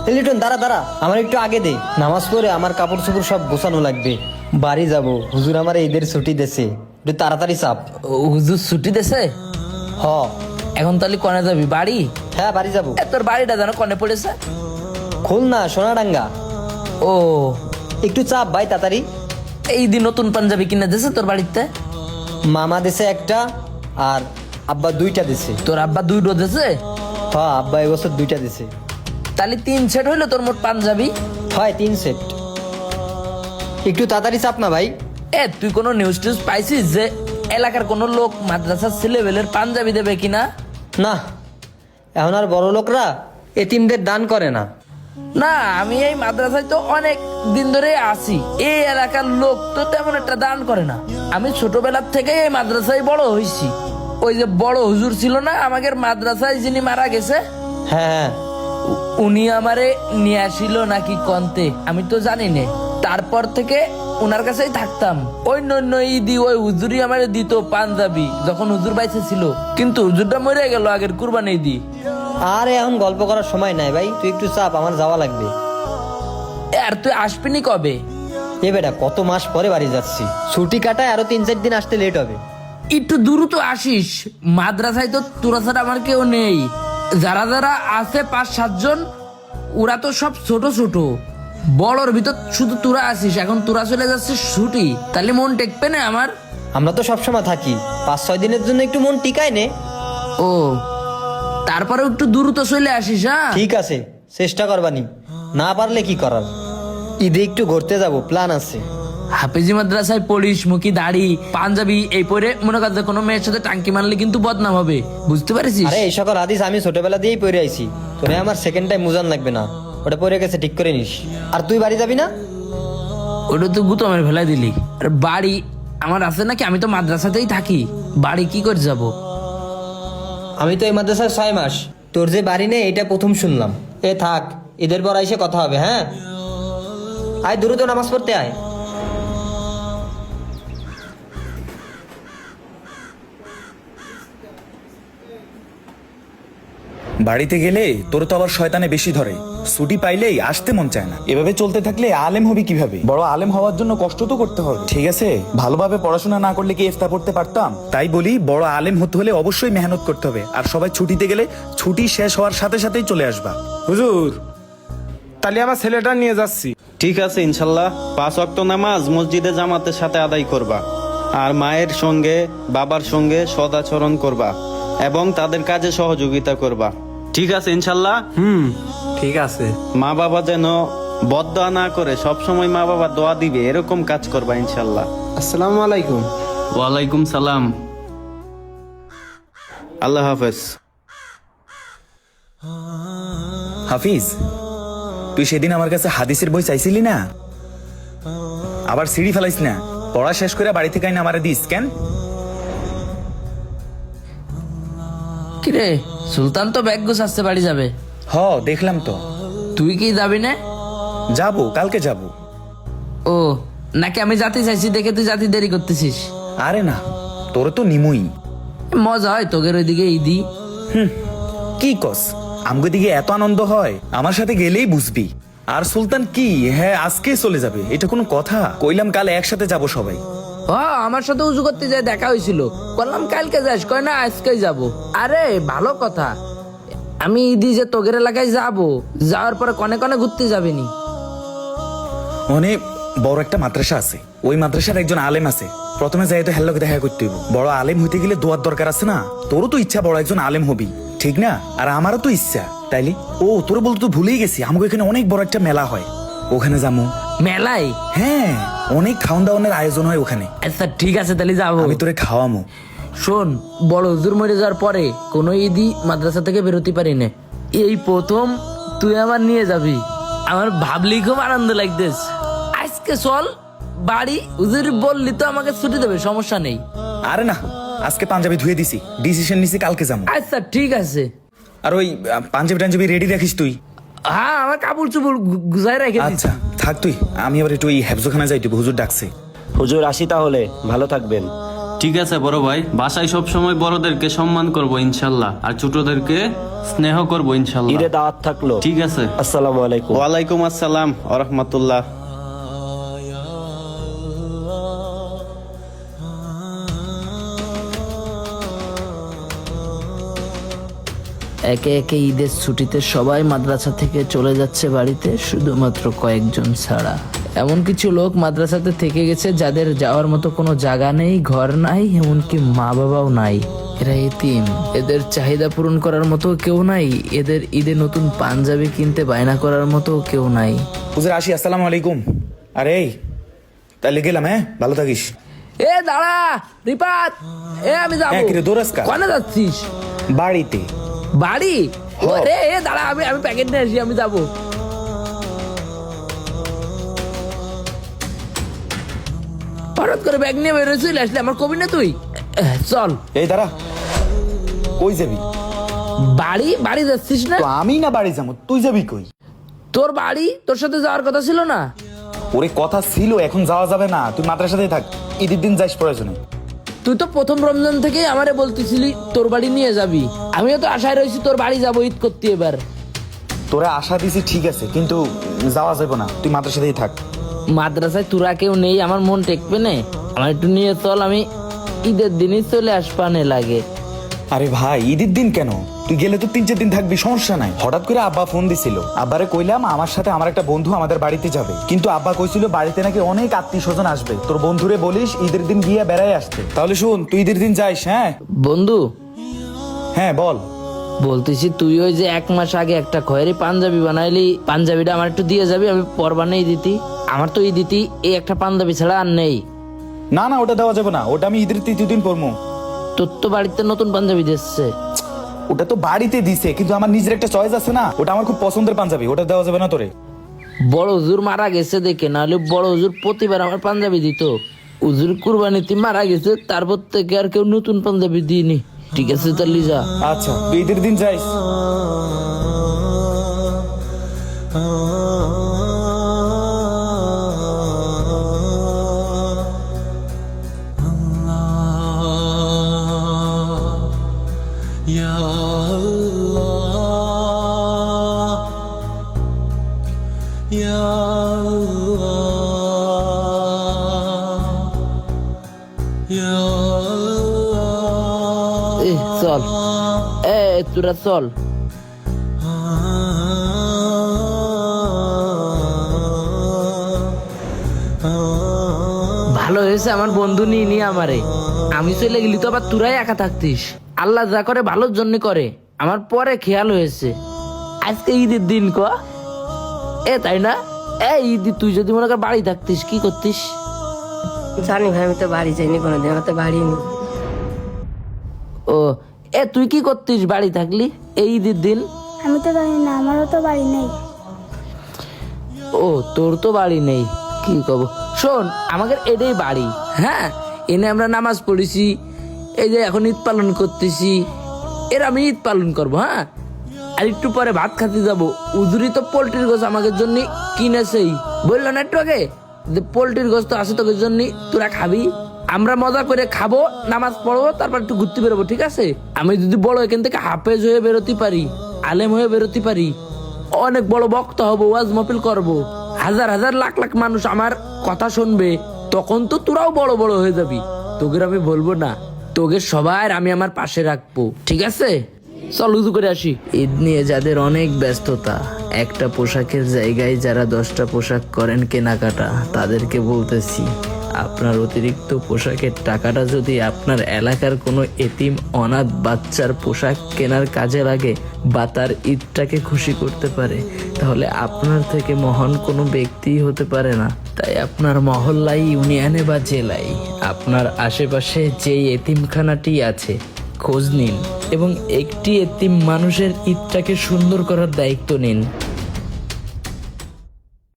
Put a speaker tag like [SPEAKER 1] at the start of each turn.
[SPEAKER 1] লিটন দাঁড়া দাঁড়া, আমার একটু আগে দে। নামাজ পড়ে আমার কাপড় চোপড় সব গোছানো লাগবে, বাড়ি যাব। হুজুর আমার ঈদের ছুটি দেছে, একটু তাড়াতাড়ি চাপ।
[SPEAKER 2] হুজুর ছুটি দেছে?
[SPEAKER 1] হ।
[SPEAKER 2] এখন তাহলে কনে যাবি? বাড়ি?
[SPEAKER 1] হ্যাঁ বাড়ি যাব।
[SPEAKER 2] তোর বাড়িটা যেন কনে পড়েছে?
[SPEAKER 1] খুলনা সোনাডাঙ্গা।
[SPEAKER 2] ও,
[SPEAKER 1] একটু চাপ ভাই তাড়াতাড়ি।
[SPEAKER 2] এই দিন নতুন পাঞ্জাবি কিনে দিছে তোর বাড়িতে?
[SPEAKER 1] মামা দেছে একটা, আর আব্বা দুইটা দিছে।
[SPEAKER 2] তোর আব্বা দুইটো দিছে?
[SPEAKER 1] হ্যাঁ আব্বা এবছর দুইটা দিছে।
[SPEAKER 2] তাহলে 3 সেট হইলো তোর মোট পাঞ্জাবি।
[SPEAKER 1] হয় 3 সেট। একটু তাড়াতাড়ি চাপ না ভাই।
[SPEAKER 2] তুই কোনো নিউজ টিউজ পাইছিস যে এলাকার কোনো লোক মাদ্রাসার ছেলেবেলের পাঞ্জাবি দেবে কিনা?
[SPEAKER 1] না, এখন আর বড় লোকরা এতিমদের দান করে না।
[SPEAKER 2] না, আমি এই মাদ্রাসায় তো অনেক দিন ধরে আছি, এই এলাকার লোক তো তেমন একটা দান করে না। আমি ছোটবেলার থেকে এই মাদ্রাসায় বড় হয়েছি। ওই যে বড় হুজুর ছিল না আমাদের মাদ্রাসায়, যিনি মারা গেছে,
[SPEAKER 1] হ্যাঁ হ্যাঁ,
[SPEAKER 2] উনি আমারে নিয়ে আসিল নাকি কন্তে, আমি তো জানি না। তারপর থেকে উনার কাছেই থাকতাম। ওই নন্য ঈদি ওই হুজুরই আমারে দিত পাঞ্জাবি, যখন হুজুর বাইসে ছিল। কিন্তু হুজুরটা মরে গেল আগের কুরবানি ঈদি।
[SPEAKER 1] আর এখন গল্প করার সময় নাই ভাই, তুই একটু চাপ, আমার যাওয়া লাগবে।
[SPEAKER 2] আর তুই আসবিনি কবে?
[SPEAKER 1] এ বেটা কত মাস পরে বাড়ি যাচ্ছি, ছুটি কাটায় আরো 3-4 দিন আসতে লেট হবে।
[SPEAKER 2] একটু দ্রুত আসিস, মাদ্রাসায় তো তোরা ছাড়া আমার কেউ নেই। যারা যারা আছে 5-7 জন, ওরা তো সব ছোট ছোট। বড়র ভিতর শুধু তোরা আসিস, এখন তোরা চলে যাচ্ছিস ছুটি, তাহলে মন টেকবে না আমার?
[SPEAKER 1] আমরা তো সবসময় থাকি, 5-6 দিনের জন্য একটু মন টিকায় নে।
[SPEAKER 2] ও, তারপরে একটু দ্রুত চলে আসিস। হ্যাঁ
[SPEAKER 1] ঠিক আছে, চেষ্টা করবানি, না পারলে কি করার। ঈদে একটু ঘুরতে যাব, প্ল্যান আছে।
[SPEAKER 2] হাফেজি মাদ্রাসায় পড়িস, মুখি দাড়ি পাঞ্জাবি এই পরে মনে কর যে কোনো মেয়ের সাথে টাঙ্কি মারলে কিন্তু বদনাম হবে, বুঝতে পারিস?
[SPEAKER 1] আরে এই সকল হাদিস আমি ছোটবেলা দিয়েই পড়ে আইছি, তোরে আমার সেকেন্ড টাইম মুজান লাগবে না, ওটা পড়ে গেছে, ঠিক করে নিস। আর তুই বাড়ি যাবি না?
[SPEAKER 2] ওটা তো গুতমের ফেলাই দিলি। আর বাড়ি আমার আছে নাকি? আমি তো মাদ্রাসাতেই থাকি, বাড়ি কি করে যাব?
[SPEAKER 1] আমি তো এই মাদ্রাসায় 6 মাস, তোর যে বাড়ি নেই এটা প্রথম শুনলাম। এ থাক, ঈদের পর আইসে কথা হবে। হ্যাঁ আয়, দ্রুত নামাজ পড়তে আয়।
[SPEAKER 3] বাড়িতে গেলে তোর তো আবার শয়তানে বেশি ধরে, ছুটি পাইলেই আসতে মন চায় না। এভাবে চলতে থাকলে আলেম হবি কিভাবে? বড় আলেম হওয়ার জন্য কষ্ট তো করতে হবে, ঠিক আছে? ভালোভাবে পড়াশোনা না করলে কি ইফতা পড়তে পারতাম? তাই বলি, বড় আলেম হতে হলে অবশ্যই মেহনত করতে হবে। আর সবাই ছুটিতে গেলে ছুটি শেষ হওয়ার সাথে সাথেই চলে আসবা।
[SPEAKER 4] হুজুর, তাহলে আমার ছেলেটা নিয়ে যাচ্ছি।
[SPEAKER 5] ঠিক আছে, ইনশাল্লাহ 5 ওয়াক্ত নামাজ মসজিদে জামাতের সাথে আদায় করবা, আর মায়ের সঙ্গে বাবার সঙ্গে সদাচরণ করবা এবং তাদের কাজে সহযোগিতা করবা। ঠিক আছে ইনশাল্লাহ?
[SPEAKER 4] ঠিক আছে।
[SPEAKER 5] মা বাবা যেন বদদোয়া না করে, সব সময় মা বাবা দোয়া দিবে এরকম কাজ করবা ইনশাল্লাহ।
[SPEAKER 4] আসসালামু আলাইকুম।
[SPEAKER 5] ওয়ালাইকুম সালাম। আল্লাহ হাফেজ।
[SPEAKER 3] হাফিজ, তুই সেদিন আমার কাছে হাদিসের বই চাইছিলি না? আবার সিঁড়ি ফেলাইস না, পড়া শেষ করে বাড়ি থেকে আইনা আমারে দিস কেন?
[SPEAKER 2] কিরে, সুলতান তো ব্যাগ গুছাচ্ছে বাড়ি যাবে।
[SPEAKER 3] হ, দেখলাম তো।
[SPEAKER 2] তুই কি যাবি না?
[SPEAKER 3] যাবো, কালকে যাবো।
[SPEAKER 2] ও, নাকি আমি জাতি চাইছি দেখে তুই জাতি দেরি করতেছিস?
[SPEAKER 3] আরে না, তোর তো নিমুই।
[SPEAKER 2] মজা হয় তোদের ওইদিকে ঈদি?
[SPEAKER 3] কি কস, আমগো দিকে এত আনন্দ হয়, আমার সাথে গেলেই বুঝবি। আর সুলতান কি, হ্যাঁ আজকে চলে যাবে, এটা কোনো কথা? কইলাম কাল একসাথে যাব সবাই।
[SPEAKER 2] আমার সাথে উজু করতে যায় দেখা হয়েছিল, বললাম কালকে যাস, কয় না আজকেই যাব। আরে ভালো কথা, আমি ঈদি যে তোগের এলাকায় যাব, যাওয়ার পরে কনে কনে ঘুরতে যাবিনি?
[SPEAKER 3] অনেক বড় একটা মাদ্রাসা আছে, ওই মাদ্রাসার একজন আলেম আছে। প্রথমে যাই তো হেল্লোকে দেখা করতে হইব। বড় আলেম হইতে গেলে দোয়ার দরকার আছে না? তোরও তো ইচ্ছা বড় একজন আলেম হবি, ঠিক না? আর আমারও তো ইচ্ছা, তাইলে ও তোর বলতে তো ভুলেই গেছি, আমাকে এখানে অনেক বড় একটা মেলা হয়, ওখানে যাবো।
[SPEAKER 2] মেলায়?
[SPEAKER 3] হ্যাঁ, অনেক খাওয়ান দাওয়ানের আয়োজন হয় ওখানে।
[SPEAKER 2] আচ্ছা ঠিক আছে, তাহলে যাবো।
[SPEAKER 3] আমি তোরে খাওয়ামো।
[SPEAKER 2] শোন, বড় হুজুর মরে যাওয়ার পরে কোনো ঈদই মাদ্রাসা থেকে বেরোতে পারি না, এই প্রথম তুই আমার নিয়ে যাবি। আমার ভাবলি খুব আনন্দ লাগতেছে। আজকে চল বাড়ি, হুজুর বললি তো আমাকে ছুটি দেবে, সমস্যা নেই।
[SPEAKER 3] আরে না, আজকে পাঞ্জাবি ধুয়ে দিছি, ডিসিশন নিছি কালকে যাবো।
[SPEAKER 2] আচ্ছা ঠিক আছে।
[SPEAKER 3] আর ওই পাঞ্জাবি টাঞ্জাবি রেডি রাখিস তুই।
[SPEAKER 2] হ্যাঁ, আমার কাপড় চুপড় গুজাই রেখে দিচ্ছি।
[SPEAKER 3] আচ্ছা থাক তুই, আমি আবার একটু ওই হেফজোখানা যাইতে, হুজুর ডাকছে।
[SPEAKER 6] হুজুর আসি তাহলে, ভালো থাকবেন।
[SPEAKER 5] ঠিক আছে বড় ভাই, বাসায় সব সময় বড়দেরকে সম্মান করব ইনশাল্লাহ, আর ছোটদেরকে স্নেহ করব ইনশাল্লাহ।
[SPEAKER 6] ঈদে দাওয়াত থাকলো।
[SPEAKER 5] ঠিক আছে।
[SPEAKER 6] আসসালামু আলাইকুম।
[SPEAKER 5] ওয়ালাইকুম আসসালাম ওয়া রাহমাতুল্লাহ।
[SPEAKER 2] একে একে ঈদের ছুটিতে সবাই মাদ্রাসা থেকে চলে যাচ্ছে বাড়িতে, শুধুমাত্র কয়েকজন ছাড়া। এমন কিছু লোক মাদ্রাসাতে থেকে গেছে যাদের যাওয়ার মতো কোনো জায়গা নেই, ঘর নাই, এমনকি মা বাবাও নাই। এরা এতিম, এদের চাহিদা পূরণ করার মতো কেউ নাই, এদের ঈদে নতুন পাঞ্জাবি কিনতে বায়না করার মতো কেউ নাই।
[SPEAKER 3] হুজুর আসি, আসসালামু আলাইকুম। আরে এই, তাহলে গেলাম, হ্যাঁ ভালো থাকিস।
[SPEAKER 2] এ দাঁড়া রিপাত, আমি যাবো।
[SPEAKER 3] হ্যাঁ, কিরে দৌড়াস কা?
[SPEAKER 2] কোনে যাচ্ছিস?
[SPEAKER 3] বাড়িতে।
[SPEAKER 2] বাড়ি? রে দাঁড়া, আমি প্যাকেট নিয়ে আসি, আমি যাবো। হঠাৎ করে ব্যাগ নিয়ে বেরোয় চলে আসলে, আমার কবি না তুই? চল।
[SPEAKER 3] এই দাঁড়া, কই যাবি?
[SPEAKER 2] বাড়ি যাচ্ছিস না?
[SPEAKER 3] তো আমি না বাড়ি যাবো, তুই যাবি কই?
[SPEAKER 2] তোর বাড়ি, তোর সাথে যাওয়ার কথা ছিল না?
[SPEAKER 3] ওরে কথা ছিল, এখন যাওয়া যাবে না, তুই মাদ্রাসাতেই থাক, ঈদের দিন যাইস প্রয়োজনে।
[SPEAKER 2] তুই তো প্রথম রমজান থেকে আমারে বলতেছিলি তোর বাড়ি নিয়ে যাবি, আমিও তো আশায় রয়েছি তোর বাড়ি যাবো ঈদ করতে। এবার
[SPEAKER 3] তোরা আশা দিছি ঠিক আছে, কিন্তু যাওয়া যাবে না, তুই মাদ্রাসাতেই থাক।
[SPEAKER 2] মাদ্রাসায় তোরা কেউ নেই, আমার মন টেকবে না, আমার একটু নিয়ে চল, আমি ঈদের দিনই চলে আসবানে লাগে।
[SPEAKER 3] আরে ভাই, ঈদের দিন কেন? তুই গেলে তো 3-4 দিন থাকবি, সমস্যা নাই। হঠাৎ করে আব্বা ফোন দিছিল, আব্বারে কইলাম আমার সাথে আমার একটা বন্ধু আমাদের বাড়িতে যাবে, কিন্তু আব্বা কইছিল বাড়িতে নাকি অনেক আত্মীয় স্বজন আসবে, তোর বন্ধুরে বলিস ঈদের দিন গিয়ে বেড়াই আসতে। তাহলে শুন, তুই ঈদের দিন যাইস। হ্যাঁ
[SPEAKER 2] বন্ধু,
[SPEAKER 3] হ্যাঁ বল।
[SPEAKER 2] বলতেছি তুই ওই যে 1 মাস আগে একটা খয়েরি পাঞ্জাবি বানাইলি, পাঞ্জাবিটা আমার একটু দিয়ে যাবি, আমি পর বানাই দিতি। আমার তো এই দিতি এই একটা পাঞ্জাবি ছাড়া আর নেই।
[SPEAKER 3] না না, ওটা দেওয়া যাবে না, ওটা আমি ঈদের 3য় দিন পরবো।
[SPEAKER 2] তোর তো বাড়িতে নতুন পাঞ্জাবি দিচ্ছে।
[SPEAKER 3] ওটা তো বাড়িতে দিছে, কিন্তু আমার নিজের একটা চয়েস আছে না, ওটা আমার খুব পছন্দের পাঞ্জাবি, ওটা দেওয়া যাবে না তোরে।
[SPEAKER 2] বড় হুজুর মারা গেছে দেখে, নাহলে বড় হুজুর প্রতিবার আমার পাঞ্জাবি দিত। হুজুর কুরবানিতে মারা গেছে, তারপর থেকে আর কেউ নতুন পাঞ্জাবি দিইনি। ঠিক আছে তাহলে যা।
[SPEAKER 3] আচ্ছা, তুই ঈদের দিন যাইস।
[SPEAKER 2] চল, তোরা চল। ভালো হয়েছে আমার বন্ধু নিয়ে আমারে, আমি চলে গেলি তো আবার তোরাই একা থাকতিস। আল্লাহ যা করে ভালোর জন্য করে, আমার পরে খেয়াল হয়েছে আজকে ঈদের দিন ক তাই না? ঈদ তুই যদি মনে কর বাড়ি থাকতিস কি করতিস?
[SPEAKER 7] জানি ভাই, আমি তো বাড়ি যাইনি কোনোদিন, আমার তো বাড়ি নেই।
[SPEAKER 2] ও তুই কি করতিস বাড়ি থাকলি এই ঈদের দিন?
[SPEAKER 8] আমি তো জানি না, আমারও তো বাড়ি নেই।
[SPEAKER 2] ও তোর তো বাড়ি নেই, কি কব। শোন, আমাদের এটাই বাড়ি। হ্যাঁ, এনে আমরা নামাজ পড়েছি, এই যে এখন ঈদ পালন করতেছি, এর আমি ঈদ পালন করবো। হ্যাঁ, আর একটু পরে ভাত খাতে যাবো। উজুরি তো পোল্ট্রির গোছ আমাদের জন্য কিনেছেই, বললো না একটু আগে যে পোল্ট্রির গোছ তো আছে তোদের জন্য, তোরা খাবি। আমরা মজা করে খাবো, নামাজ পড়বো, তারপর একটু ঘুরতে বেরোবো। ঠিক আছে? আমি যদি বড় এখান থেকে হাফেজ হয়ে বেরোতে পারি, আলেম হয়ে বেরোতে পারি, অনেক বড় বক্তা হবো, ওয়াজ মাহফিল করবো, হাজার হাজার লাখ লাখ মানুষ আমার কথা শুনবে, তখন তো তোরাও বড় বড় হয়ে যাবি। তোকে আমি বলবো না, তোকে সবার আমি আমার পাশে রাখবো। ঠিক আছে? চল উজু করে আসি। ঈদ নিয়ে যাদের অনেক ব্যস্ততা, একটা পোশাকের জায়গায় যারা 10টা পোশাক করেন কেনাকাটা, তাদেরকে বলতেছি আপনার অতিরিক্ত পোশাকের টাকাটা যদি আপনার এলাকার কোনো এতিম অনাথ বাচ্চার পোশাক কেনার কাজে লাগে বা তার ঈদটাকে খুশি করতে পারে, তাহলে আপনার থেকে মহান কোনো ব্যক্তিই হতে পারে না। তাই আপনার মহল্লায়, ইউনিয়নে বা জেলায় আপনার আশেপাশে যেই এতিমখানাটি আছে খোঁজ নিন এবং একটি এতিম মানুষের ঈদটাকে সুন্দর করার দায়িত্ব নিন।